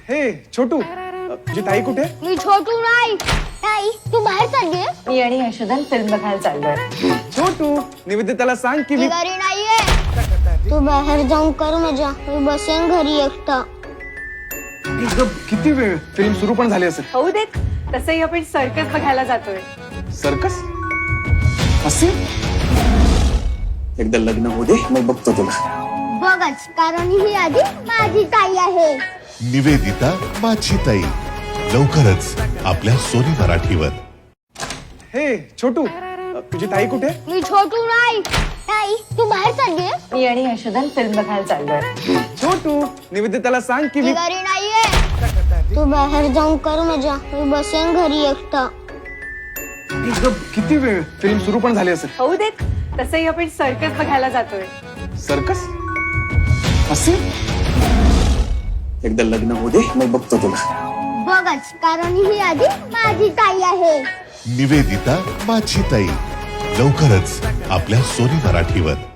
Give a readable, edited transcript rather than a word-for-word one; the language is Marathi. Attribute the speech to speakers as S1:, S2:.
S1: हे छोटू, तुझी ताई कुठे?
S2: मी छोटू नाही. ताई तू बाहेर चाललीये?
S3: मी आणि यशोधन फिल्म बघायला चाललोय.
S1: छोटू, निवेदिताला सांग की
S2: मी
S1: मी
S2: घरी नाहीये. तू बाहेर जाऊन कर मजा. मी बसेन घरी एकटा.
S1: गं, किती वेळ? फिल्म सुरू पण झाली असेल.
S3: होऊ देत, तसंही आपण सर्कस बघायला जातोय.
S1: सर्कस असे एकदा लग्न होऊ दे, मग बघतो तुला.
S2: बघच, कारण ही आधी माझी ताई आहे.
S4: निवेदिता माझी ताई लवकरच आपल्या सोनी मराठीवर.
S1: हे छोटू, तुझी ताई कुठे?
S2: मी छोटू नाही. ताई तू बाहेर चाललीये?
S3: मी आणि यशोधन फिल्म बघायला चाललोय.
S1: छोटू, निवेदिताला सांग की
S2: मी
S1: मी
S2: घरी नाहीये. तू बाहेर जाऊन कर मजा. मी बसेन घरी एकटा.
S1: गं, किती वेळ? फिल्म सुरू पण झाली असेल.
S3: होऊ देत, तसंही आपण सर्कस बघायला जातोय.
S1: सर्कस असे एकदा लग्न होऊ दे, मग बघतो तुला.
S2: बघच, कारण ही आधी माझी ताई आहे.
S4: निवेदिता माझी ताई लवकरच आपल्या सोनी मराठीवर.